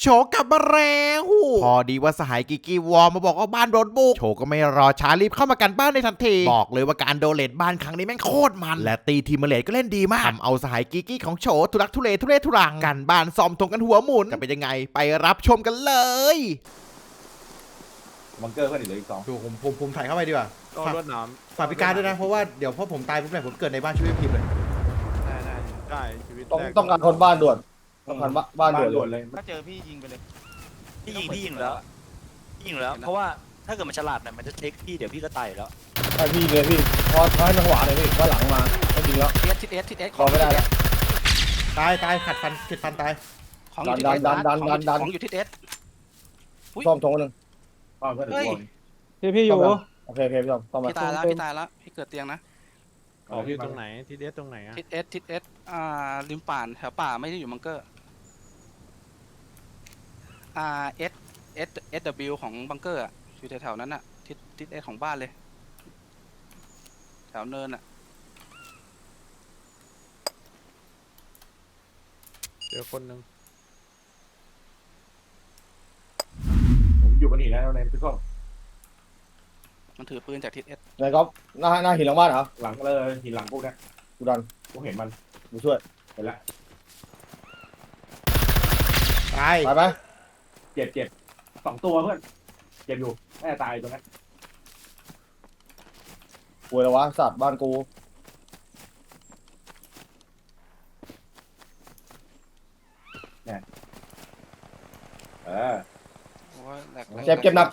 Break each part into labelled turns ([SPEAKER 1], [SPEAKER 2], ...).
[SPEAKER 1] โฉกลับมาแล้วพอดีว่าสหายกิกกี้วอลมาบอกว่าบ้านโดนบุกโฉก็ไม่รอช้ารีบเข้ามากันบ้านในทันทีบอกเลยว่าการโดเลตบ้านครั้งนี้แม่งโคตรมันและตีทีมเลตก็เล่นดีมากทำเอาสหายกิกกี้ของโฉทุลักทุเลทุรังกันบ้านซ้อมทงกันหัวหมุนจะเป็นยังไงไปรับชมกันเลย
[SPEAKER 2] บังเกอร์เพื่อนอีกเหลืออีก2
[SPEAKER 1] ดูผมถ่ายเข้าไปดีกว่า
[SPEAKER 3] ก็รวดน้ำ
[SPEAKER 1] ฝากพิการด้วยนะเพราะว่าเดี๋ยวพอผมตายปุ๊บเนี่ยผมเกิดในบ้านช่วยพิมพ์เลย
[SPEAKER 3] ได้ชีวิตแรก
[SPEAKER 2] ต้องการคนบ้านด่วนต้องการบ้านด่วนเลย
[SPEAKER 4] ถ้าเจอพี่ยิงไปเลย
[SPEAKER 5] พี่ยิงแล้วเพราะว่าถ้าเกิดมันฉลาดหน่อยมันจะเทคพี่เดี๋ยวพี่ก็ตายแล้ว
[SPEAKER 2] ให้พี่เลยพี่พอให้จังหวะเลยพี่ว่าหลังมาไม่จริงแล้ว
[SPEAKER 4] ทิศเอส
[SPEAKER 2] รอไม่ได้แล้ว
[SPEAKER 1] ตายขัดฟันตาย
[SPEAKER 4] ของอยู่ทิศเอสของอยู่ทิศเอส
[SPEAKER 2] ซ่อมทงนึงเพื่อน
[SPEAKER 3] พี่อยู่
[SPEAKER 2] โอเคพี่ซ่อมมา
[SPEAKER 4] พี่ตายแล้วพี่เกิดเตียงนะ
[SPEAKER 3] พี่ตรงไหนทิศเอสตรงไหนอะ
[SPEAKER 4] ทิศเอสริมป่านแถวป่าไม่ได้อยู่บังเกอร์SW ของบังเกอร์อ่ะอยู่แถวๆนั้นอ่ะทิศเอสของบ้านเลยแถวเนินอ่ะ
[SPEAKER 3] เจอคนหนึ่ง
[SPEAKER 2] ผมอยู่บนหินแล้วในพี่ส้ม
[SPEAKER 4] มันถือปืนจากทิศเอส
[SPEAKER 2] ไหนก๊อฟหน้าหินหลังบ้านเหรอหลังเลยหินหลังพวกนี้กูดันกูเห็นมันกูช่วยเห็นแล้ว
[SPEAKER 1] ตาย
[SPEAKER 2] ไหมเจ็บ2 ตัวเพื่อนเจ็บอยู่แม่ตายตรงนั้นป่วยแล้ววะสัตว์บ้านกูเนี่ยเจ็บหนัก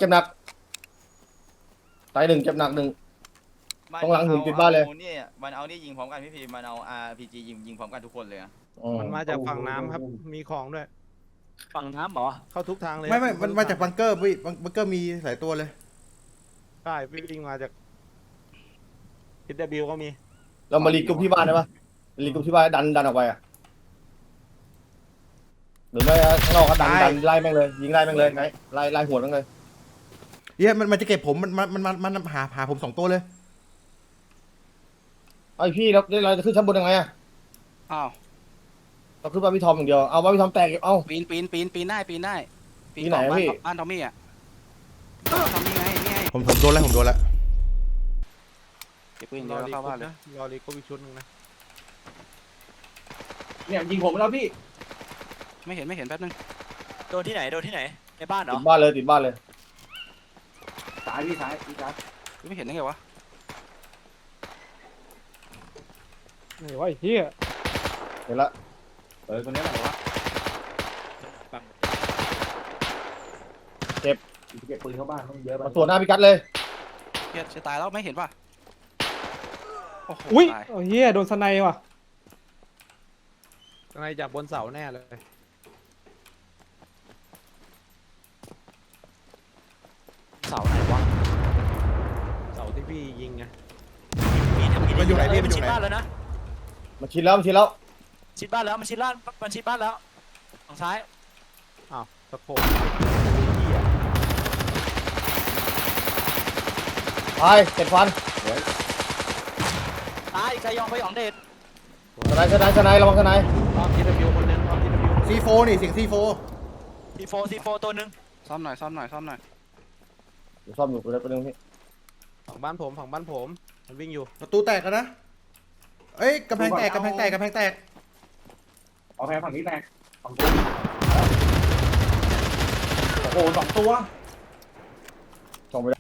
[SPEAKER 2] ตาย1เจ็บหนัก1ต้องหลังหุ่นติดบ้านเลย
[SPEAKER 4] มันเอานี่ยิงพร้อมกันพี่พีมันเอา RPG ยิงพร้อมกันทุกคนเลยอ่ะ
[SPEAKER 3] มันมาจากฝั่งน้ำครับมีของด้วย
[SPEAKER 5] ฝั่งน้ำเหรอ
[SPEAKER 3] เข้าทุกทางเลย
[SPEAKER 1] ไม่มันมาจากบังเกอร์พี่บังเกอร์มีหลายตัวเลย
[SPEAKER 3] ใช่พี่วิ่งมาจากทิศ W ก็มี
[SPEAKER 2] เรามารีกรุ๊ปที่บ้านได้ปะรีกรุ๊ปที่บ้านดันออกไปอ่ะหรือไม่ข้างนอกก็ดันไล่แม่งเลยยิงไล่แม่งเลยไงไล่หัวแม่งเลย
[SPEAKER 1] มันจะเก็บผมมันหาผม2 ตัวเลย
[SPEAKER 2] ไอพี่เราจะขึ้นชั้นบนยังไงอ่ะ
[SPEAKER 4] อ้าว
[SPEAKER 2] เราขึ้นบ้านพี่ทอมอย่างเดียวเอาบ้านพี่ทอมแตกเอา
[SPEAKER 4] ปีนได้ปีน
[SPEAKER 2] ไหนพี่
[SPEAKER 4] บ้านทอมมี่อ่ะทอมมี่ไง
[SPEAKER 1] ผมโดนแล้ว
[SPEAKER 4] เก็บปืนเดียวเข้าบ้านเลย
[SPEAKER 3] รอรีก็มีชุดนึงนะ
[SPEAKER 2] เนี่ยยิงผมแล้วพี่
[SPEAKER 4] ไม่เห็นแป๊บนึง
[SPEAKER 5] โดนที่ไหนในบ้านเหรอ
[SPEAKER 2] ติดบ้านเลยซ้ายพี่ซ้าย
[SPEAKER 4] ไม่เห็นได้ไงวะ
[SPEAKER 3] นี่ว่าไอ้เหี้ย
[SPEAKER 2] เห็นละตัวนี้แหละวะเก็บปืนเข้าบ้านต้องเยอะมาตรวจหน้าพิกัดเลย
[SPEAKER 4] จะตายแล้วไม่เห็นป่ะ
[SPEAKER 3] อุ้ยโอ้เหี้ยโดนสไนว่ะสไนจากบนเสาแน่เลย
[SPEAKER 5] เสาไหนวะ
[SPEAKER 3] เสาที่พี่ยิงไง
[SPEAKER 1] มันอยู่ไหนพี่
[SPEAKER 5] มันชิดบ้านแล้วนะ
[SPEAKER 2] มันชิดแล้ว
[SPEAKER 5] ชิดบ้านแล้วมันชิดบ้านแล้วทางซ้าย
[SPEAKER 3] อ้าวตะโขบ
[SPEAKER 2] ไปเก็บฟัน
[SPEAKER 5] ตายใครยองไปหยองเด็ด
[SPEAKER 2] สไนระวังสไน
[SPEAKER 3] อ้อมทีดับบิวคนนึงอ้อมทีดับบิว
[SPEAKER 1] C4นี่เสียงC4
[SPEAKER 5] ตัวนึง
[SPEAKER 4] ซ่อมหน่อย
[SPEAKER 2] เดี๋ยวซ่อมอยู่ตัวนึงพี่
[SPEAKER 3] ฝั่งบ้านผมมันวิ่งอยู่
[SPEAKER 1] ประตูแตกแล้วนะเอ้ยกำแพงแตก
[SPEAKER 2] เอาแพงฝั่งนี้แตกโอ้โห2 ตัวส่งไป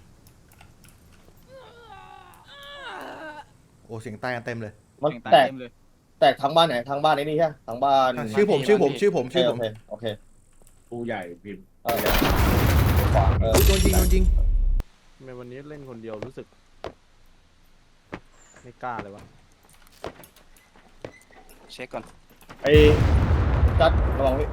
[SPEAKER 1] โอ้เสียงตายกันเต็มเลย
[SPEAKER 2] มันแตกทั้งบ้านไหนทั้งบ้านไอ้นี่ใช่ทั้งบ้าน
[SPEAKER 1] ชื่อผม
[SPEAKER 2] โอเคปูใหญ่พิมพ์
[SPEAKER 1] โดนยิง
[SPEAKER 3] ทำไมวันนี้เล่นคนเดียวรู้สึกไม่กล้าเลยวะ
[SPEAKER 4] เช็คก่อน
[SPEAKER 2] ไอ้จัดระวังพี่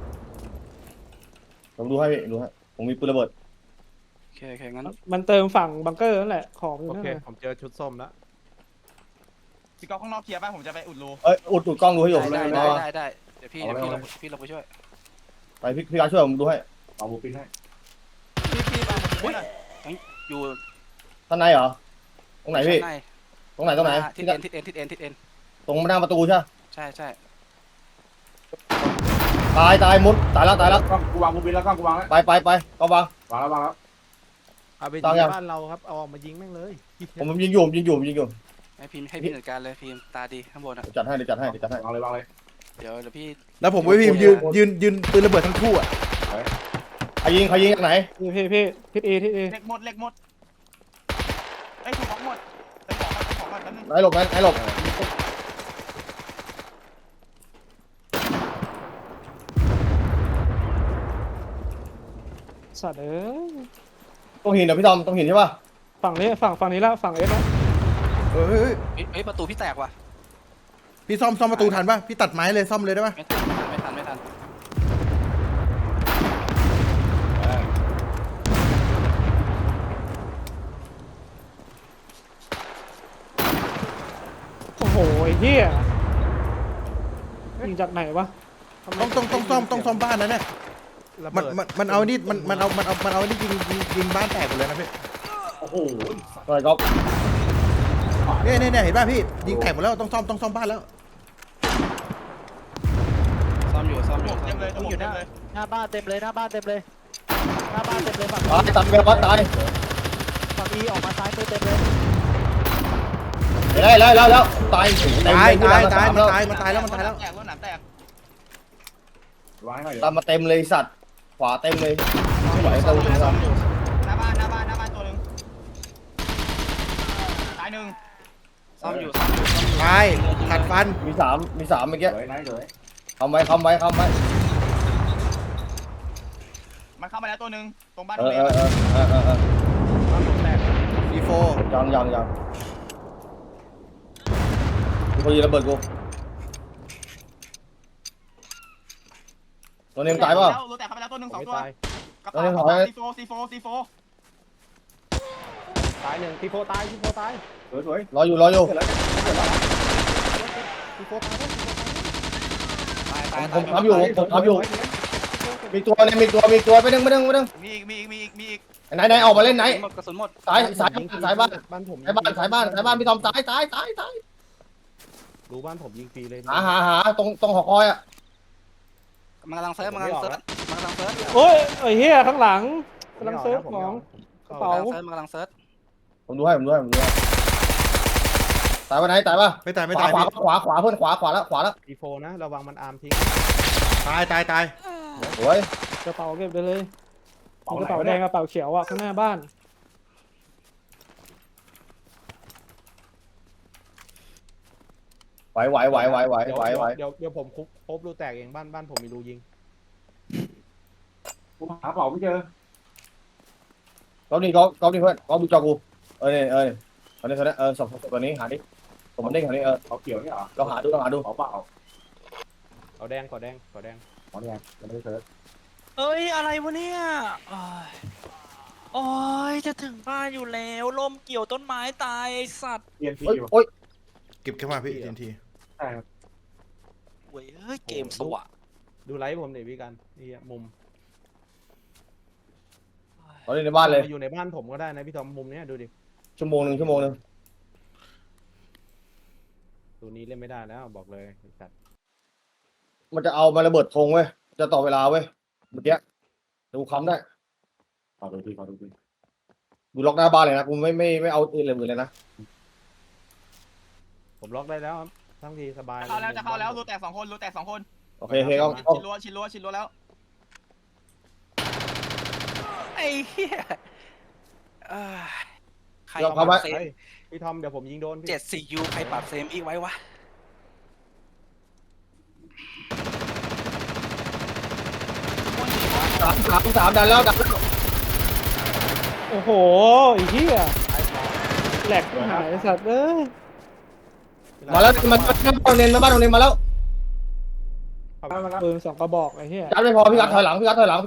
[SPEAKER 2] ผมดูให้ผมมีปืนระเบิด
[SPEAKER 4] โอเคงั้น
[SPEAKER 3] มันเติมฝั่งบังเกอร์นั่นแหละของโอเคผมเจอชุดส้มแล้ว
[SPEAKER 4] พี่ก๊อฟข้างนอกเคลียร์ป่ะผมจะไปอุดรู
[SPEAKER 2] อุดกล้องดูให้อยู่
[SPEAKER 4] ได้เดี๋ยวพี่เราไปช่วย
[SPEAKER 2] ไปพี่การช่วยผมดูให้เอาบูปินให้
[SPEAKER 4] พี่มาอยู่
[SPEAKER 2] ท่านในเหรอตรงไหนพี่ตรงไหน
[SPEAKER 4] ทิศเอ็น
[SPEAKER 2] ตรงหน้าประตูใช่
[SPEAKER 4] ใช่
[SPEAKER 2] ตายมุดตายแล้ว
[SPEAKER 3] กล้องกูวางกูบินแล้วกล้องกูวางแล้ว
[SPEAKER 2] ไปก็วาง
[SPEAKER 3] วางแล้ว
[SPEAKER 6] เอาไป
[SPEAKER 2] ตั้
[SPEAKER 6] ยิ
[SPEAKER 2] งยัง
[SPEAKER 6] งบ้านเราครับเอาออกมายิงแม่งเลย
[SPEAKER 2] ผมยิงอยู่
[SPEAKER 4] ให้พี่จัดการเลยพิมพ์ตาดีข้างบนอ่ะ
[SPEAKER 2] จัดให้
[SPEAKER 3] วางเลย
[SPEAKER 4] เดี๋ยวพี่
[SPEAKER 1] แล้วผมvớiพิมพ์ยืนปืนระเบิดทั้งคู่อ่ะ
[SPEAKER 2] ใครยิงจากไหน
[SPEAKER 6] พี่ทิศเอ
[SPEAKER 7] เล็กหมดไอ้ถูกของหมดไอ้ของหมดแป๊บนึง
[SPEAKER 2] ไหนหลบไหนหลบ
[SPEAKER 6] สัตว์เอ้ย
[SPEAKER 2] ต้องหินเดี๋ยวพี่ทอมต้องหินใช่ป่ะ
[SPEAKER 6] ฝั่งนี้ฝั่งนี้ละฝั่งเอสนะ
[SPEAKER 1] เฮ้ย
[SPEAKER 4] เอ้ยประตูพี่แตกว่ะ
[SPEAKER 1] พี่ซ่อมประตูทันป่ะพี่ตัดไม้เลยซ่อมเลยได้ป่ะ
[SPEAKER 4] ไม่ทัน
[SPEAKER 6] โอ้โหไอ้เหี้ยยิงจากไหนวะ
[SPEAKER 1] ต้องซ่อมบ้านนะเนี่ย
[SPEAKER 6] ระ
[SPEAKER 1] มัน
[SPEAKER 6] เบิด
[SPEAKER 1] มันเอานี่มันเอานี่ยิงบ้านแตกหมดเลยนะพี่
[SPEAKER 2] โอ้โหอะไรก็
[SPEAKER 1] เนี่ยเห็นป่ะพี่ยิงแตกหมดแล้วต้องซ่อมบ้านแล้ว
[SPEAKER 4] ซ่อมอยู่
[SPEAKER 7] เต็มเลยทั้งหมดเต็มเลย
[SPEAKER 5] หน้าบ้านเต็มเลยหน้าบ้านเต็มเลยฝั่ง
[SPEAKER 2] ตายตาย
[SPEAKER 5] ฝั่งอีออกมาซ้ายมือเต็มเลย
[SPEAKER 2] แล้วตาย
[SPEAKER 1] ตายมันตายแล้ว
[SPEAKER 7] แตกรถหนามแตก
[SPEAKER 3] วางให้หน่อย
[SPEAKER 2] ตามมาเต็มเลยสัตว์ขวาเต็มเลยไม่ไหว
[SPEAKER 7] ห
[SPEAKER 2] ตัวนึงครับ
[SPEAKER 7] น้าบ้านตัวหนึ่งตายหนึ่ง
[SPEAKER 4] ซ่อมอยู่
[SPEAKER 1] ตายขัดฟัน
[SPEAKER 2] มีสามเมื่อกี้
[SPEAKER 3] สวยนะสวย
[SPEAKER 2] คำไว้
[SPEAKER 7] มันเข้ามาแล้วตัวหนึ่งตรงบ้าน
[SPEAKER 2] เอ
[SPEAKER 7] โรง
[SPEAKER 2] อ
[SPEAKER 7] เรียน
[SPEAKER 6] บ้านผมแตก
[SPEAKER 1] ซีโฟ
[SPEAKER 2] ยังกูยิงระเบิดกูตัวนึงตายป่ะ
[SPEAKER 7] รถแตกเข้าไปแล้วตัวหนึ่ง2 ตัว
[SPEAKER 6] ตาย
[SPEAKER 7] กระเป๋าซีโฟ
[SPEAKER 6] ตายหนึ่งทีโฟตาย
[SPEAKER 3] สวย
[SPEAKER 2] รออยู่
[SPEAKER 6] ทีโฟตายแล้ว
[SPEAKER 2] ผมทำอยู่มีตัวไปนึง
[SPEAKER 7] มีอีก
[SPEAKER 2] ไหนออกมาเล่นไหน
[SPEAKER 4] กระสุนหมด
[SPEAKER 2] สายบ้าน
[SPEAKER 6] บ้านผม
[SPEAKER 2] สายบ้านพี่ทอมสาย
[SPEAKER 6] ดูบ้านผมยิงฟรีเลย
[SPEAKER 2] หาตรงหอคอยอ่ะ
[SPEAKER 4] มันกำลังเซิร์ฟ
[SPEAKER 6] โอ้ยไอ้เหี้ยข้างหลังกำลังเซิร์ฟของกระเป๋า
[SPEAKER 4] มันกำลังเซิร์ฟ
[SPEAKER 2] ผมดูให้ตายป่ะไหนตายป่ะ
[SPEAKER 1] ไม่ตาย
[SPEAKER 2] ขวาเพื่อนขวาแล้ว
[SPEAKER 6] ทีโฟนะระวังมันอาร์มทิ้ง
[SPEAKER 1] ตาย
[SPEAKER 2] โอ้ย
[SPEAKER 6] กระเป๋าเก็บไปเลยกระเป๋าแดงกระเป๋าเขียวอ่ะข้างหน้าบ้าน
[SPEAKER 2] ไหว
[SPEAKER 6] เดี๋ยวผมคุกพบรูแตกเองบ้านผมมีรูยิง
[SPEAKER 3] กูหาเป๋าไม่เจอ
[SPEAKER 2] ก๊อฟนี่เพื่อนก๊อฟดูจอกูตอนนี้สองตัวนี้หาดิผมมันเด้งแถวนี้
[SPEAKER 3] เขาเกี่ยวนี่เหรอ
[SPEAKER 2] เราหาดู
[SPEAKER 3] เป๋าเปล่า
[SPEAKER 6] ขอแดง
[SPEAKER 3] อ๋อเนี่ยยังไม่ได้เซิร์ฟ
[SPEAKER 5] เอ้ยอะไรวะเนี่ยโอ้ยจะถึงบ้านอยู่แล้วลมเกี่ยวต้นไม้ตายไอ้สัตว์
[SPEAKER 3] เทียนทีอยู่
[SPEAKER 2] โอ้ย
[SPEAKER 1] เก็บแค่มาพี่ที
[SPEAKER 3] ใช่ครับ
[SPEAKER 5] เว้ยเฮ้ยเกมสวะ
[SPEAKER 6] ดูไลฟ์ผมหน่อยพี่กันนี่มุม
[SPEAKER 2] ตอนนี้ในบ้านเลย
[SPEAKER 6] อยู่ในบ้านผมก็ได้นะพี่ทอมมุมเนี้ยดูดิ
[SPEAKER 2] ชั่วโมงนึง
[SPEAKER 6] ตัวนี้เล่นไม่ได้แล้วบอกเลยจัด
[SPEAKER 2] มันจะเอามาระเบิดธงเว้ยจะต่อเวลาเว้ยเมื่อกี้ดูค้ำได้
[SPEAKER 3] ขอดูที
[SPEAKER 2] ดูล็อกหน้าบ้านเลยนะกูไม่เอาอื่นเลยนะ
[SPEAKER 6] ผมล็อกได้แล้วทั้งทีสบาย
[SPEAKER 7] เข้าแล้วรูแตก2 คน
[SPEAKER 2] โอเคก็
[SPEAKER 7] ชิดรั้วแล้ว
[SPEAKER 4] ไอ้เหี้ยใคร
[SPEAKER 2] เข้าไป
[SPEAKER 6] พี่ทอมเดี๋ยวผมยิงโดนพี่
[SPEAKER 4] 74U ใครปรับเซมอีกไว้วะ
[SPEAKER 2] สามดันแล้ว
[SPEAKER 6] โอ้โหไอ้เหี้ยแหลกหายสัตว์เอ้ย
[SPEAKER 2] มาแล้วมันบ้านโรงเรียนมาแล้ว
[SPEAKER 6] ปืน2 กระบอกไอ้เหี้ย
[SPEAKER 2] จัดไม่พอพี่กัดถอยหลัง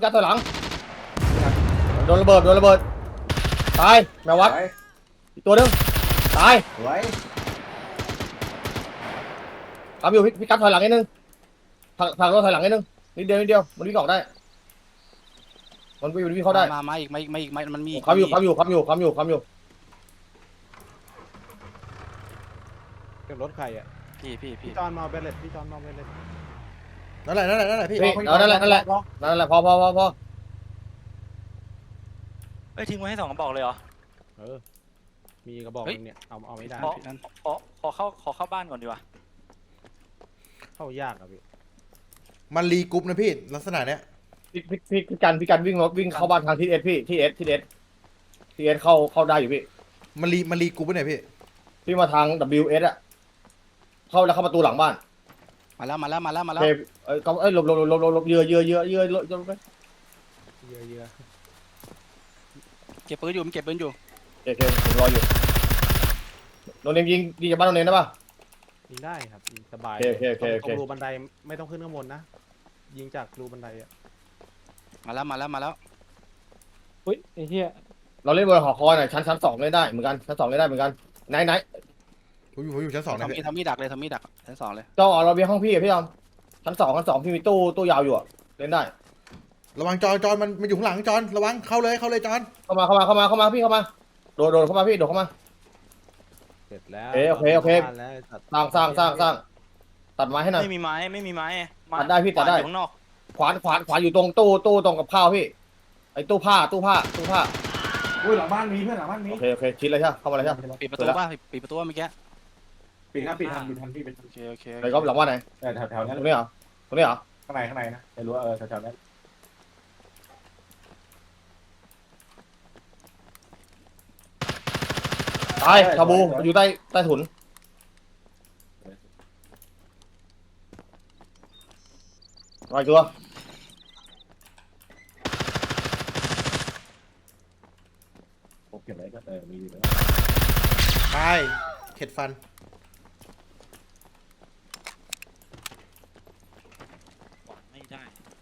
[SPEAKER 2] โดนระเบิดตายแมววัดอีกตัวนึงตาย
[SPEAKER 3] สวย
[SPEAKER 2] ทำอยู่พี่กัดถอยหลังนิดนึงผลักรถถอยหลังนิดนึงนิดเดียวมันวิ่งออกได้มันวิ่งเข้าได้
[SPEAKER 4] มาอีกมันมี
[SPEAKER 2] ค้ำอยู่
[SPEAKER 6] เป็นรถใครอ่ะ
[SPEAKER 4] พี่
[SPEAKER 6] พี่จอนมาเบลเลตพี่จอนมาเบลเลต
[SPEAKER 1] นั่นแหละพี่
[SPEAKER 2] พี่นั่นแหละพอ
[SPEAKER 5] เอ้ยทิ้งไว้ให้2 กระบอกเลยเหรอ
[SPEAKER 6] เออมีกระบอกนึงเนี่ยเอาไม่ได้
[SPEAKER 5] ขอเข้าบ้านก่อนดีกว่า
[SPEAKER 6] เข้ายากอะพี่
[SPEAKER 1] มันรีกรุ๊ปนะพี่ลักษณะเนี้ย
[SPEAKER 2] พี่กันวิ่งเข้าบ้านทางทิศเอสพี่ที่เอสเข้าได้อยู่พี่
[SPEAKER 1] มันรีกรุ๊ปไปไหนพี่
[SPEAKER 2] พี่มาทาง WS อะเข้าแล้วเข้าประตูหลังบ้าน
[SPEAKER 4] มาแล้ว
[SPEAKER 2] เฮ้ยหลบเยือไป
[SPEAKER 6] เยอะ
[SPEAKER 4] เก็บปืนอยู่มันเก็บปืนอยู่
[SPEAKER 2] โอเคผมรออยู่โดนเนมยิงจากบ้านโดนเนมได้ป่ะ
[SPEAKER 6] ยิงได้ครับยิงสบาย
[SPEAKER 2] โอเค
[SPEAKER 6] ตรงรูบันไดไม่ต้องขึ้นข้างบนนะยิงจากรูบันไดอะ
[SPEAKER 4] มาแล้ว
[SPEAKER 6] อุ้ยไอ้เหี้ย
[SPEAKER 2] เราเล่นบนหอคอยหน่อยชั้น 2เล่นได้เหมือนกันชั้น 2เล่นได้เหมือนกันไหน
[SPEAKER 1] ผมอยู่ชั้น 2นะพี่
[SPEAKER 4] ทำมีดดักเลยชั้น 2เลย
[SPEAKER 2] เจ้าเราเบียร์ห้องพี่พี่ยอมชั้น 2พี่มีตู้ยาวอยู่อะเล่นได้
[SPEAKER 1] ระวังจอนมันอยู่ข้างหลังจอนระวังเข้าเลยจอน
[SPEAKER 2] เข้ามาพี่เข้ามาโดดเข้ามาพี่โดดเข้ามา
[SPEAKER 6] เสร็จแล้ว
[SPEAKER 2] โอเค
[SPEAKER 6] บ้านแล้วตัด
[SPEAKER 2] สร้างตัดไม้ให้หน่อย
[SPEAKER 5] ไม่มีไม้
[SPEAKER 2] ตัดได้พี่ตัดได้
[SPEAKER 5] อยู่ข้างนอก
[SPEAKER 2] ขวานอยู่ตรงตู้ตรงกับข้าวพี่ไอ้ตู้ผ้า
[SPEAKER 7] อุ้ยหลังบ้านมีเพื่อนหลังบ้านมี
[SPEAKER 2] โอเคชิดเลยใช่ป่ะเข้ามาเลยใช่ป่ะ
[SPEAKER 4] ปิดประตูป่ะปิดประตูเมื่อกี้
[SPEAKER 7] ปิดทันพี่เป็น
[SPEAKER 4] โอเค
[SPEAKER 2] ไอ้ก๊อฟหลังว่าไหน
[SPEAKER 7] แถวนั้น
[SPEAKER 2] ตรงนี้เหรอข้างในนะ
[SPEAKER 7] ไม่รู้ว่าแถวนั้น
[SPEAKER 2] ตายชาบูอยู่ใต้ถุนมาอีกตัว
[SPEAKER 7] ผมเก็บไว้ก็มีอยู่แล้ว
[SPEAKER 1] ตายเข็ดฟัน
[SPEAKER 5] ไม่ได้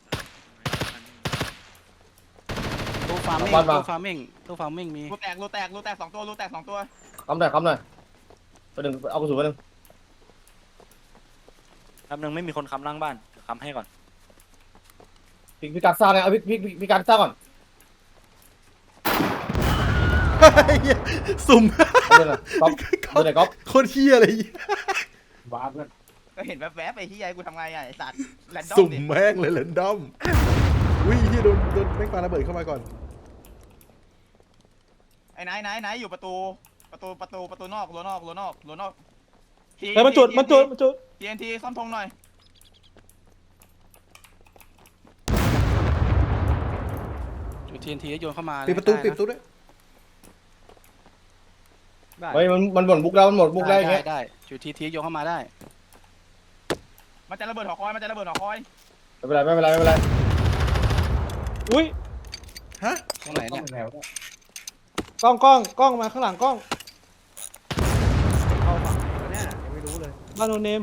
[SPEAKER 4] ตู้ฟาร์มิ่งมี
[SPEAKER 7] รูแตก2 ตัว
[SPEAKER 2] คำหน่อยไปหนึ่งเอากระสุนไปหนึ่ง
[SPEAKER 5] แป๊บนึงไม่มีคนค้ำล่างบ้านเดี๋ยวค้ำให้ก่อน
[SPEAKER 2] พี่การสร้างไงเอาพี่การสร้างก่อน
[SPEAKER 1] สุ่ม
[SPEAKER 2] เล่นก๊อฟเล่นก๊อฟ
[SPEAKER 1] โคตรเฮี้ยเลย
[SPEAKER 7] ว้าเพื่อน
[SPEAKER 8] ก็เห็นแวบๆไอ้ที่ยายกูทำไงอ่ะไอ้สัตว์แรนดอม
[SPEAKER 1] สุ่ม
[SPEAKER 8] ดิ
[SPEAKER 1] แม่งเลยแรนดอมวิ่งที่โดนแม่งปาระเบิดเข้ามาก่อน
[SPEAKER 8] ไอ้ไหนอยู่ประตูนอกรั้วนอก
[SPEAKER 6] เฮ้ยมันจุด
[SPEAKER 8] TNT ซ่อมธงหน่อย
[SPEAKER 4] จุด TNT โยนเข้ามา
[SPEAKER 1] ปิดประตูด้วย
[SPEAKER 6] ได้
[SPEAKER 2] เฮ้ยมันหมดบุกแล้วอย่างเงี้ย
[SPEAKER 4] ได้จุด TNT โยนเข้ามาได้
[SPEAKER 8] มันจะระเบิดหอคอย
[SPEAKER 2] ไม่เป็นไร
[SPEAKER 6] อุ้ย
[SPEAKER 1] ฮะ
[SPEAKER 4] ตรงไหน
[SPEAKER 7] ต้อ
[SPEAKER 4] เนี่
[SPEAKER 7] ง
[SPEAKER 4] ย
[SPEAKER 7] แถว
[SPEAKER 6] กล้องมาข้างหลังกล้องเข้าฝั่งไหนวะเนี่ยยังไม่รู้เลยบ้านโนเนม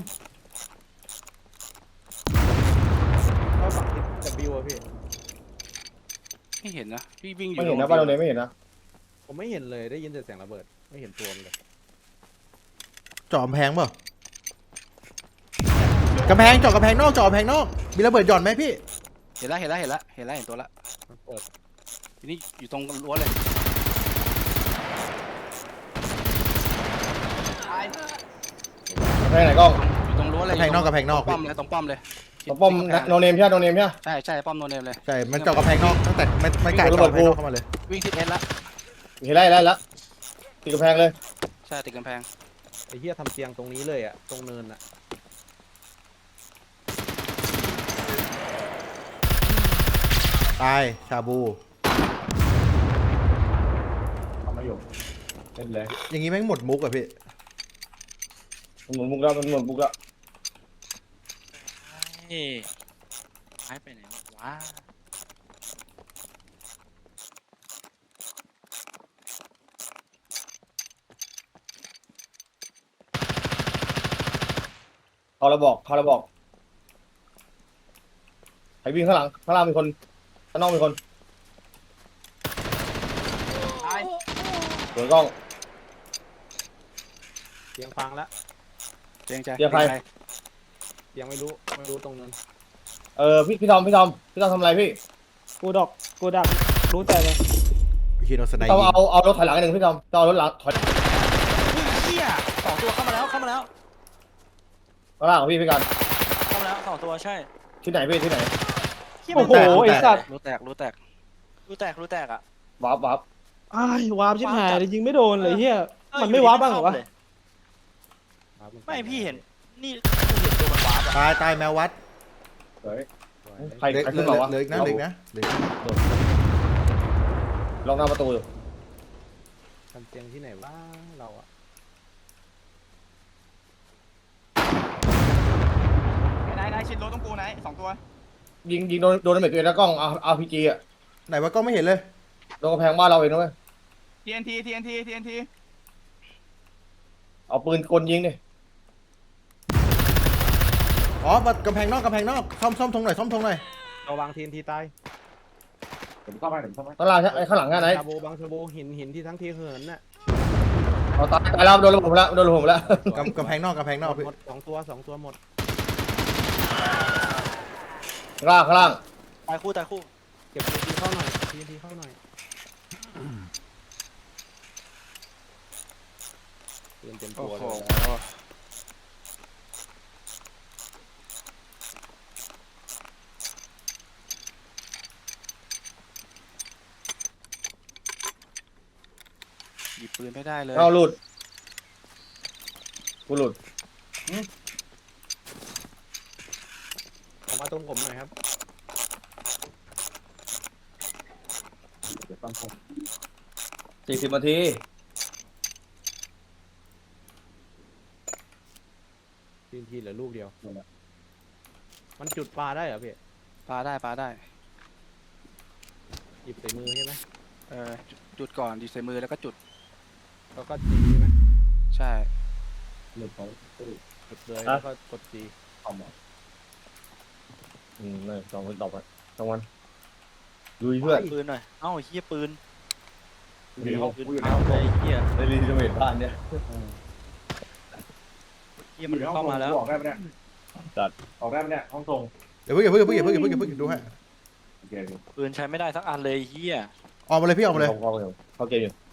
[SPEAKER 6] เข้าฝั่งที่ W อะพี่
[SPEAKER 4] ไม่เห็นนะพี่วิ่งอยู่
[SPEAKER 2] ไม่เห็นนะบ้านโดนเนมไม่เห็นนะ
[SPEAKER 6] ผมไม่เห็นเลยได้ยินแต่เสียงระเบิดไม่เห็นตัวมันเลย
[SPEAKER 1] จอมแพงเปล่ากำแพงจอกำแพงนอกมีระเบิดหย่อนไหมพี่
[SPEAKER 4] เห็นตัวละ
[SPEAKER 6] มันเปิด
[SPEAKER 4] ทีนี้อยู่ตรงรั้วเลย
[SPEAKER 2] ไปไหนกล้อง
[SPEAKER 4] อยู่ตรงรั้วเลย
[SPEAKER 1] กำแพงนอก
[SPEAKER 4] ป้อมเลยตรงป้อมเลย
[SPEAKER 2] ตบป้อมโนเนมใช่โนเนมใช่
[SPEAKER 4] ใช่ป้อมโนเนมเลย
[SPEAKER 1] ใช่มันจอกำแพงนอกตั้งแต่ไม่กล้าจอกำแพงนอกเข้ามาเลย
[SPEAKER 4] วิ่งทิศเอสละ
[SPEAKER 2] เห็นแล้วติดกระแพงเลย
[SPEAKER 4] ใช่ติดกำแพง
[SPEAKER 6] ไอ้เหี้ยทำเตียงตรงนี้เลยอะตรงเนินอะ
[SPEAKER 1] ตายชาบู
[SPEAKER 7] ทำมาอยู่เล่นเลย
[SPEAKER 1] อย่างงี้แม่งหมดมุกอะพี่
[SPEAKER 2] มันหมุนบุกแล้ว
[SPEAKER 5] เฮ้ยหายไปไหนวะ
[SPEAKER 2] เขาเราบอกใครวิ่งข้างล่างมีคนข้างนอกมีคน
[SPEAKER 8] ตาย
[SPEAKER 2] สวนกล้อง
[SPEAKER 6] เตียงฟังละ
[SPEAKER 4] เตียงใจ
[SPEAKER 2] เตียงใคร
[SPEAKER 6] ยังไม่รู้ตรงนั้น
[SPEAKER 2] พี่ทอมทำอะไรพี่
[SPEAKER 6] กูดักรู้ใจเลย
[SPEAKER 1] พี่โดนสไน
[SPEAKER 2] ต้อง
[SPEAKER 1] ยิง
[SPEAKER 2] เอารถถอยหลังหนึ่งพี่ทอมต้องเอารถหลังถอย
[SPEAKER 5] เฮีย2 ตัวเข้ามาแล้ว
[SPEAKER 2] ข้างล่างของพี่กัน
[SPEAKER 5] เข้ามาแล้ว2 ตัวใช่
[SPEAKER 2] ที่ไหนพี่ที่ไหน
[SPEAKER 6] โอ้โหไอ้สัตว์
[SPEAKER 4] รู้แตก
[SPEAKER 5] รู้แตกอ่ะ
[SPEAKER 2] วับ
[SPEAKER 6] อ้ายวาร์ปชิบหายเลยยิงไม่โดนเลยเฮียมันไม่วาร์ปบ้างเหรอวะ
[SPEAKER 5] ไม่พี่เห็นนี่เห็นตัวมันวาร์ปอะ
[SPEAKER 1] ตายแมววัด
[SPEAKER 2] ใครขึ้นมาวะ
[SPEAKER 1] เหลืออีกนะเหลืออีกนะเหลืออีกนะ
[SPEAKER 2] ลองหน้าประตูอยู่
[SPEAKER 6] ทำเตียงที่ไหนวะเราอะ
[SPEAKER 8] ไหนชิดรถต้องกูไหน2ตัว
[SPEAKER 2] ยิงโดนเมจตัวเองแล้วกล้องเอาพีจีอะ
[SPEAKER 1] ไหนวะก็ไม่เห็นเลย
[SPEAKER 2] โดนกระแพงบ้านเราเองนะเว้ย
[SPEAKER 8] TNT
[SPEAKER 2] เอาปืนกลยิงดิ
[SPEAKER 1] อ๋อกำแพงนอกซ่อมธงหน่อยซ่อมธงหน่อย
[SPEAKER 6] เราวางทีนทีตาย
[SPEAKER 2] ข้างล่างไอ้ข้างหลังไหน
[SPEAKER 6] ชาโบบางชาโบหินที่ทั้งทีเหินน่ะ
[SPEAKER 2] เอาตายแล้วโดนระเบิดแล้ว
[SPEAKER 1] กำแพงนอกพี่
[SPEAKER 6] หมดสองตัวหมด
[SPEAKER 2] ข้างล่าง
[SPEAKER 5] ตายคู่
[SPEAKER 6] เก็บทีนทีเข้าหน่อยทีนทีเข้าหน่อยเต็มตั
[SPEAKER 4] โอ้
[SPEAKER 6] ว
[SPEAKER 4] โห
[SPEAKER 6] เลย
[SPEAKER 4] หยิบปืนไม่ได้เลย
[SPEAKER 2] เอาหลุดกูหลุด
[SPEAKER 6] เอามาตรงผมหน่อยครับ
[SPEAKER 2] 40 นาที
[SPEAKER 6] ทีนทีเหลือลูกเดียวมันจุดปลาได้เหรอพี่
[SPEAKER 4] ปาได้
[SPEAKER 6] หยิบใส่มือใช่ไหม
[SPEAKER 4] จุดก่อนดีใส่มือแล้วก็จุด
[SPEAKER 6] แล้วก็จีใช่ไหม
[SPEAKER 4] ใช่
[SPEAKER 6] จุดเลยแล้วก็กดจี
[SPEAKER 2] นี่สองคนตอบไปสองวันลุยเพื่อน
[SPEAKER 5] ปืนหน่อยเอ้าเฮียปืน
[SPEAKER 2] ดี
[SPEAKER 5] ปืนเอาไปเฮีย
[SPEAKER 2] ได้ดีจะเห็นบ้านเนี่ย
[SPEAKER 5] เฮียมันเข้ามาแล้ว
[SPEAKER 2] ออกได้ไหมเนี่ยห้องทรง
[SPEAKER 1] เดี๋ยวเพิ่งดูให้
[SPEAKER 5] ปืนใช้ไม่ได้สักอันเลยเฮีย
[SPEAKER 1] ออกมาเลยพี่ออกมาเลย
[SPEAKER 2] เขาเกมอยู่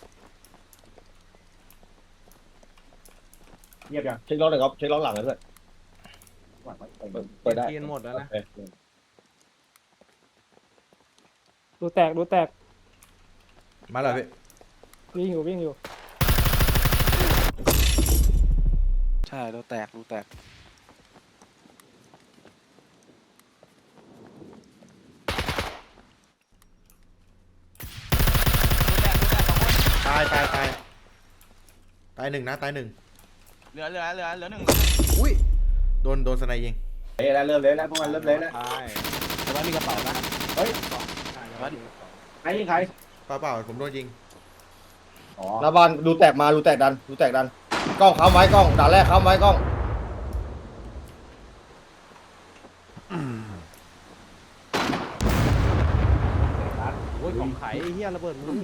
[SPEAKER 2] เงียบยังเช็คล้อหน่อยครับเช็คล้อหลังเลยเพื่อนเปิดได้
[SPEAKER 6] ทีนหมดแล้วนะ
[SPEAKER 2] ดูแตก
[SPEAKER 1] มาเลยพี่
[SPEAKER 2] วิ่งอยู่
[SPEAKER 4] ใช่รูแตก
[SPEAKER 1] ตายหนึ่งนะตายหนึ่ง
[SPEAKER 8] เหลือ1
[SPEAKER 1] อุ้ยโดนสไนยิง
[SPEAKER 2] เละแล้วเริ่มเละแล้วพวกมันเริ่มเละแล้ว
[SPEAKER 6] ใช่แต่ว่ามีกระเป๋านะ
[SPEAKER 2] เฮ้ย ใครยิงใคร
[SPEAKER 1] เปล่าผมโดนยิง
[SPEAKER 2] หน้าบ้านดูแตกมาดูแตกดันกล้องค้ำไว้กล้องด่านแรกค้ำไว้กล้อง
[SPEAKER 6] โอ้ยของไข่เฮียระเบิดมือ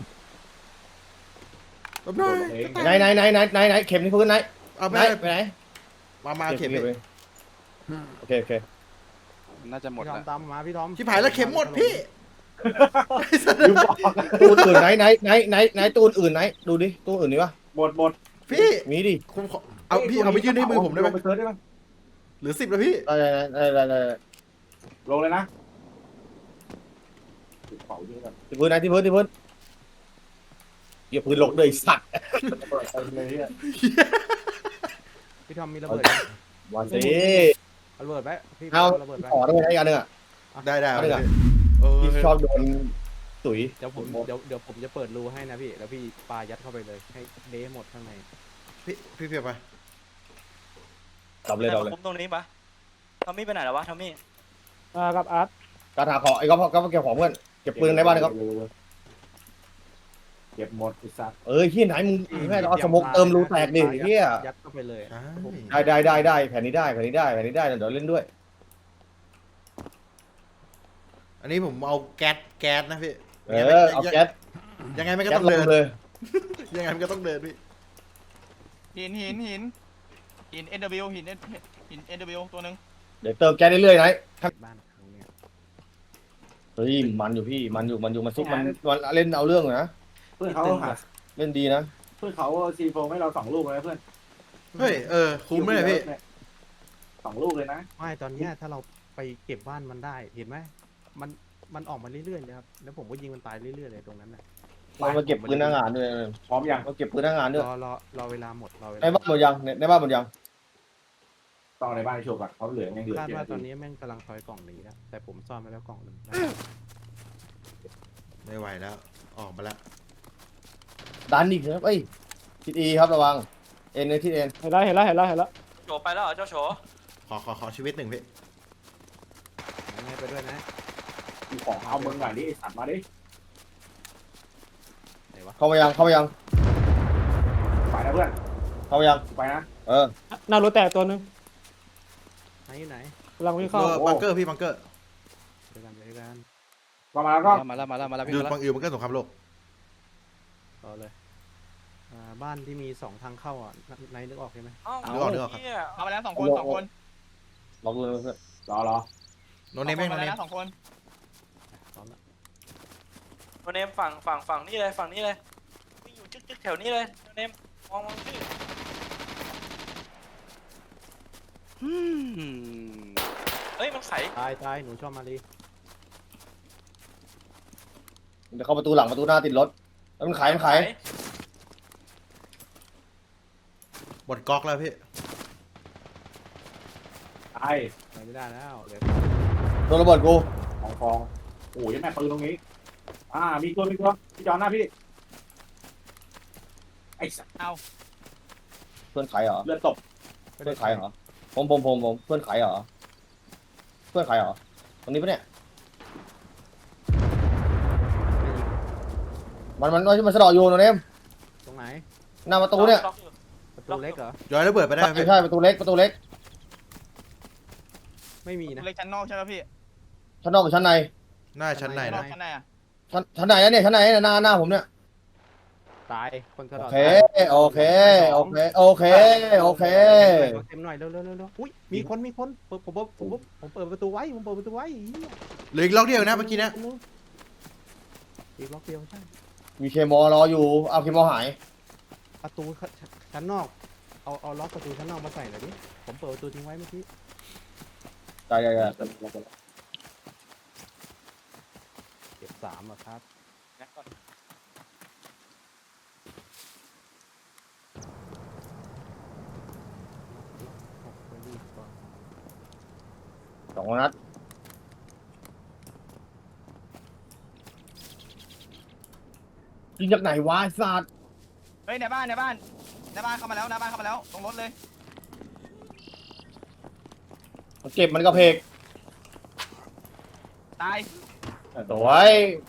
[SPEAKER 1] ลบหน่อย
[SPEAKER 2] ไหนเข็มที่พื้นไหน
[SPEAKER 1] เอา
[SPEAKER 2] ไห
[SPEAKER 1] ไป
[SPEAKER 2] น
[SPEAKER 1] ไหนมาเข็ม
[SPEAKER 2] ไปโอเค
[SPEAKER 4] น่าจะหมด
[SPEAKER 6] พี่ทอ
[SPEAKER 4] แล้
[SPEAKER 6] ม
[SPEAKER 4] ว
[SPEAKER 6] ตามมาพี่ทอม
[SPEAKER 1] ชิบหายแล้วเข็มหมดพี่
[SPEAKER 2] ตู้อื่นไหนตู้อื่นไหนดูดิตู้อื่นนี่วะ
[SPEAKER 1] พี่
[SPEAKER 2] มีดิ
[SPEAKER 1] ผมขอเอาพี่เอาไปยื่นให้มือผมได้ไหมหรือ10แล้วพี่
[SPEAKER 2] ได้
[SPEAKER 9] ลงเลยนะ
[SPEAKER 2] ที่พื้นที่พื้นอย่าพื้นหลกเลยสัตว์
[SPEAKER 6] พี่ทอมมีระเบิด
[SPEAKER 2] วันสิ
[SPEAKER 6] ระเบิดไหมพี่
[SPEAKER 2] เอา
[SPEAKER 6] ระเบิดไหม
[SPEAKER 2] ขอได้ไหมอีกอันนึงอ่ะ
[SPEAKER 1] ได้
[SPEAKER 2] เอาเลยเหรอ
[SPEAKER 1] เออ
[SPEAKER 2] ที่ชอบโดนตุ๋ย
[SPEAKER 6] เดี๋ยวผมจะเปิดรูให้นะพี่แล้วพี่ปายัดเข้าไปเลยให้เละหมดข้างใน
[SPEAKER 1] พี่เพียบไป
[SPEAKER 2] ดับเลย
[SPEAKER 5] แต่มาคุมตรงนี้ปะทอมมี่ไปไหนแล้ววะทอมมี่
[SPEAKER 6] กับอาร์ต
[SPEAKER 2] การหาของไอ้ก็เก็บของเพื่อนเก็บปืนในบ้านนะครับ
[SPEAKER 9] เก็บหมดอีสัตว์
[SPEAKER 2] ที่ไหนมึงแม่เอาสมกเติมรูแตกดิเฮีย
[SPEAKER 6] ยัดเข้าไปเลย
[SPEAKER 2] ได้แผ่นนี้ได้เดี๋ยวเล่นด้วย
[SPEAKER 1] อันนี้ผมเอาแก๊สนะพี่
[SPEAKER 2] เอาแก๊ส
[SPEAKER 1] ยังไงมันก็
[SPEAKER 2] แก๊
[SPEAKER 1] ต้
[SPEAKER 2] ส
[SPEAKER 1] อง
[SPEAKER 2] ล
[SPEAKER 1] เดิ
[SPEAKER 2] ง
[SPEAKER 1] น
[SPEAKER 2] เลย
[SPEAKER 1] ยังไงมันก็ต้องเดินพี่
[SPEAKER 8] หิน NW หิน NW ตัวหนึ่ง
[SPEAKER 2] เดี๋ยวเติมแก๊สเรื่อยๆนะ
[SPEAKER 6] บ้านครั้งเนี้ย
[SPEAKER 2] เฮ้ยมันอยู่พี่มันซุกมันเล่นเอาเรื่องนะ
[SPEAKER 9] เพื่อนเขาหา
[SPEAKER 2] เล่นดีนะ
[SPEAKER 9] เพื่อนเขาซีโฟให้เรา2 ลูกเลยเพื่อน
[SPEAKER 1] เฮ้ยคุ้มไหมเนี่ยพี่
[SPEAKER 9] 2 ลูกเลยนะ
[SPEAKER 6] ไม่ตอนเนี้ยถ้าเราไปเก็บบ้านมันได้เห็นไหมมันออกมาเรื่อยๆเลยครับแล้วผมก็ยิงมันตายเรื่อยๆเลยตรงนั้นน่ะ
[SPEAKER 2] มันมาเก็บปืนหน้างานด้วย
[SPEAKER 9] พร้อมยัง
[SPEAKER 2] มาเก็บปืนหน้างานด้วย
[SPEAKER 6] รอเวลาหมดรอเวลา
[SPEAKER 2] ในบ้านหมดยังในบ้านหมดยัง
[SPEAKER 9] ต้องในบ้านโชว์ก่อนเขาเหลือยังเหลือ
[SPEAKER 6] คาด
[SPEAKER 9] เย
[SPEAKER 6] ว่า
[SPEAKER 9] อะ
[SPEAKER 6] ตอนนี้แม่งกำลังถอยกล่องหนีแล้วแต่ผมซ่อนไปแล้วกล่องหนึ่ง
[SPEAKER 1] ไม่ไหวแล้ว ออกมาแล้ว
[SPEAKER 2] ดันอีกครับเอ้ยทิศอีครับระวังเอ็นในทิศเอ็น
[SPEAKER 6] เห็นแล้ว
[SPEAKER 5] โฉไปแล้วเหรอเจ้าโฉ
[SPEAKER 1] ขอชีวิตหนึ่งพี่
[SPEAKER 6] ไปด้วยนะ
[SPEAKER 9] มีของเอามึงหน่อยดิไอ้สัตว์มาดิ
[SPEAKER 6] ไหนวะ
[SPEAKER 2] เข้ามายัง
[SPEAKER 9] ไปนะเพื่อน
[SPEAKER 2] เข้ามายัง
[SPEAKER 9] ไปนะ
[SPEAKER 2] เออ
[SPEAKER 6] หน้ารถแตกตัวนึงไหนกำลังวิ่งเข้า
[SPEAKER 1] บังเกอร์พี่บังเกอร์
[SPEAKER 6] เดี๋ยวกัน
[SPEAKER 9] มาแล้วก็
[SPEAKER 4] มาแล้ว
[SPEAKER 1] อยู่
[SPEAKER 4] พี่มาแล้ว
[SPEAKER 1] บังเกอร์สงครามโลก
[SPEAKER 6] ต่อเลยบ้านที่มี2ทางเข้าอ่ะนายนึกออกใช่ไหม
[SPEAKER 5] เอ้า
[SPEAKER 1] นึกออกครับ
[SPEAKER 5] เหี้ย
[SPEAKER 8] เข้ามาแล้ว2 คน2 คน
[SPEAKER 2] ลองดูนะเพื่อน
[SPEAKER 9] รอ
[SPEAKER 1] โนเนมแม่งโน
[SPEAKER 8] มา
[SPEAKER 1] เน
[SPEAKER 8] แล้
[SPEAKER 1] ม
[SPEAKER 8] ว2 คน
[SPEAKER 6] พร้อมแล้ว
[SPEAKER 5] โนเนมฝั่งนี่เลยฝั่งนี้เลยวิ่งอยู่จึ๊กแถวนี้เลยโนเนมมองชื่อ
[SPEAKER 4] อืม
[SPEAKER 5] เฮ้ยมันไข
[SPEAKER 6] ตายหนูชอบมาลี
[SPEAKER 2] เดี๋ยวเข้าประตูหลังประตูหน้าติดรถแล้วมันขาย
[SPEAKER 1] หมดก๊อกแล้วพี่
[SPEAKER 9] ตาย
[SPEAKER 6] ไปไม่ได้แล้วเดี๋ยว
[SPEAKER 2] โดนระเบิดกู
[SPEAKER 9] ของฟองโอ้ยแม่ปืนตรงนี้มีตัวพี่จอนหน้าพี่ไอ้สัตว์
[SPEAKER 2] เพื่อนขายเหรอ
[SPEAKER 9] เลือดตก
[SPEAKER 2] เพื่อนขายเหรอผมเพื่อนขายเหรอเพื่อนขายเหรอตรงนี้ปะเนี่ยมันสะดอกอยู่โนเนม
[SPEAKER 6] ตรงไหน
[SPEAKER 2] หน้าประตูเนี่ย
[SPEAKER 5] ล็อกอยู่
[SPEAKER 6] ประตูเล็กเหรอ
[SPEAKER 1] ย้อยระเบิดไปได้ไหมพี่
[SPEAKER 2] ใช่ประตูเล็ก
[SPEAKER 6] ไม่มีนะ
[SPEAKER 8] เล็กชั้นนอกใช่ไหมพี่
[SPEAKER 2] ชั้นนอกกับชั้นใน
[SPEAKER 1] หน้าชั้นไหน
[SPEAKER 8] ชั้นนอ
[SPEAKER 1] นะ
[SPEAKER 8] กชั้นในอ่ะ
[SPEAKER 2] ชั้นไหนอะเนี่ยชั้นไหนหน้าผมเนี่ย
[SPEAKER 6] ตายคนสะ
[SPEAKER 2] โอ
[SPEAKER 6] ดอด
[SPEAKER 2] เค
[SPEAKER 6] เต็มหน่อยเร็วอุ้ยมีคนผมเปิดประตูไว้เหี้ย
[SPEAKER 1] เหลืออีกล็อกเดียวนะเมื่อกี้นะ
[SPEAKER 6] อีกล็อกเดียวใช่
[SPEAKER 2] มีเคมอรออยู่เอาเคมอหาย
[SPEAKER 6] ประตูชั้นนอกเอาล็อกประตูชั้นนอกมาใส่หน่อยดิผมเปิดประตูทิ้งไว้เมื่อกี้
[SPEAKER 2] ใช่
[SPEAKER 6] เก็บ3อ่ะครับ
[SPEAKER 5] แม็กก่อน
[SPEAKER 2] 2 นัดยิงจากไหนวะไอ้สัตว์
[SPEAKER 8] เฮ้ยในบ้านเข้ามาแล้วตรงรถเลย
[SPEAKER 2] มันเก็บมันกระเพก
[SPEAKER 8] ตาย
[SPEAKER 2] สวย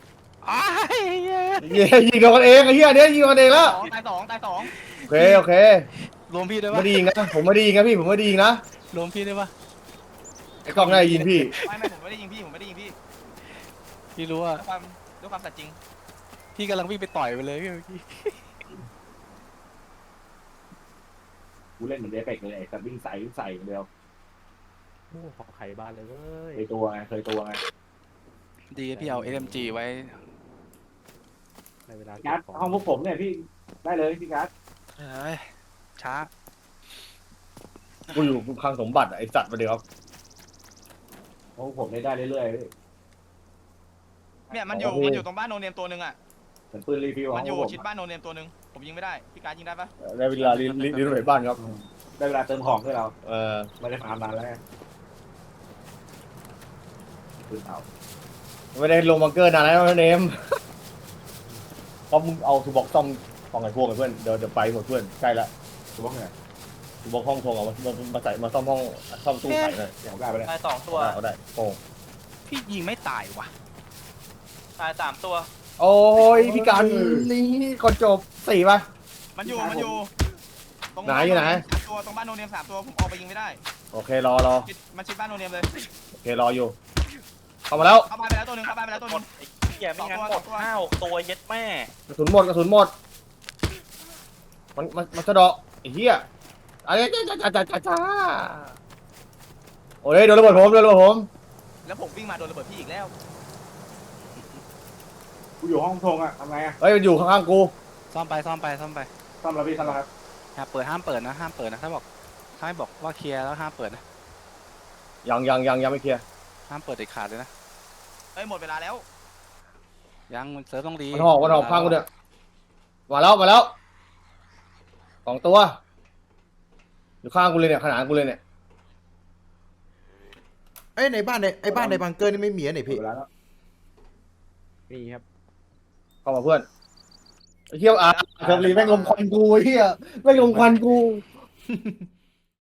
[SPEAKER 2] ยิงกันเองไอ้เหี้ยเนี่ยยิงกันเองแล้ว
[SPEAKER 8] ตายสอง
[SPEAKER 2] โอเค
[SPEAKER 4] รวมพี่ได้
[SPEAKER 2] ไม่
[SPEAKER 4] ปะ
[SPEAKER 2] ได้ยิงนะผมไม่ได้ยิงนะพี่ผมไม่ได้ยิงนะ
[SPEAKER 4] รวมพี่ได้ปะ
[SPEAKER 2] ไอ้กล้องน่าจะยิงพี่
[SPEAKER 8] ไม่ผมไม่ได้ยิงพี่
[SPEAKER 4] พี่รู้ว่า
[SPEAKER 8] ด้วยความสัตย์จริง
[SPEAKER 4] พี่กำลังวิ่งไปต่อยไปเลยพี่เมื่อกี้
[SPEAKER 9] กูเล่นเหมือนเดฟเฟกเลยไอ้สัตว์วิ่งใส่เดียว
[SPEAKER 6] โอ้ขอไข่บ้านเลยเว้ย
[SPEAKER 9] เคยตัวไง
[SPEAKER 4] ดีพี่เอา SMG ไว้
[SPEAKER 6] ในเวลา
[SPEAKER 9] การ์ดห้องพวกผมเนี่ยพี่ได้เลยพี่การ์ด
[SPEAKER 4] เฮ้ยช้า
[SPEAKER 2] กูอยู่คลังสมบัติไอ้สัตว์มาเดี๋ยวครับ
[SPEAKER 9] ห้องผมได้เรื่อยๆพี่
[SPEAKER 8] เนี่ยมันอยู่ตรงบ้านโนเนมตัวนึงอ่ะ
[SPEAKER 9] เหมือนปืนรีฟิว
[SPEAKER 8] มัน
[SPEAKER 9] ข
[SPEAKER 8] อ
[SPEAKER 9] อง
[SPEAKER 8] ยู่
[SPEAKER 9] ผม
[SPEAKER 8] ชิดบ้านโนเนมตัวนึงผมยิงไม่ได้พี่การยิงได้ปะ
[SPEAKER 2] ได้เวลารีโนเวทบ้านครับ
[SPEAKER 9] ได้เวลาเติมของด้วยเรา ไม่ได้ฟาร์มนานแล้วปืนเต่า
[SPEAKER 2] ไม่ได้ลงบังเกอร์นานแล้วนะเนมเพราะมึงเอาทูบ็อกซ่อมของไอ้พวกไอ้เพื่อนเดี๋ยวไปหมดเพื่อนใกล้ละ
[SPEAKER 9] ตัวพวกเนี่ย
[SPEAKER 2] ทูบ็อกห้องทงเอามาใส่มาซ่อมห้องซ่อมตู้ขายหน่อย
[SPEAKER 9] เดี๋ยวได้ไปเลย
[SPEAKER 5] ตาย2 ตัว
[SPEAKER 2] เอาได้โอ้
[SPEAKER 4] พี่ยิงไม่ตายว่ะ
[SPEAKER 5] ตาย3 ตัว
[SPEAKER 2] โอ้ยพี่การนี่ก่อนจบ4 ป่ะ
[SPEAKER 8] มันอยู่ตรง
[SPEAKER 2] ไหนอยู่ไหน
[SPEAKER 8] 3 ตัวตรงบ้านโนเนม3 ตัวผมออกไปยิงไม่ได้
[SPEAKER 2] โอเครอ
[SPEAKER 8] มันชิดบ้านโนเนมเลย
[SPEAKER 2] โอเครออยู่เข้ามาแล้ว
[SPEAKER 8] เข้าบ้านไปแล้วตัวนึง
[SPEAKER 5] หมดไอ้เหี้ยไม่งั้นหมด5-6 ตัวเย็ดแม่
[SPEAKER 2] กระสุนหมดมันสะเดาะไอ้เหี้ยอะไรจ้าโอ้ยโดนระเบิดผม
[SPEAKER 8] แล้วผมวิ่งมาโดนระเบิดพี่อีกแล้ว
[SPEAKER 9] กูอยู่ห้องทงอ่ะทำไงอ่ะ
[SPEAKER 2] เฮ้ยมันอยู่ข้างๆกู
[SPEAKER 4] ซ่อมไป
[SPEAKER 9] ซ่อมแล้วพี่ซ่อมแล้วครับ
[SPEAKER 4] ห้ามเปิดนะถ้าไม่บอกว่าเคลียร์แล้วห้ามเปิดนะ
[SPEAKER 2] ยังไม่เคลียร์
[SPEAKER 4] ห้ามเปิดเด็ดขาดเลยนะ
[SPEAKER 8] เอ้ยหมดเวลาแล้ว
[SPEAKER 4] ยังมันเซิร์ฟต้องรี
[SPEAKER 2] มันหอกพังกูเนี่ยมาแล้ว2 ตัวอยู่ข้างกูเลยเนี่ยขนาดกูเลยเนี่ย
[SPEAKER 1] เอ้ยในบ้านในบังเกอร์นี่ไม่มีอะไหนพี่
[SPEAKER 9] เวลาแล้ว
[SPEAKER 6] มีครับ
[SPEAKER 2] เข้ามาเพื่อนไอ้เที่ยวเทอร์ลีแม่งลมควันกูไอ้เหี้ยแม่งลมควันกู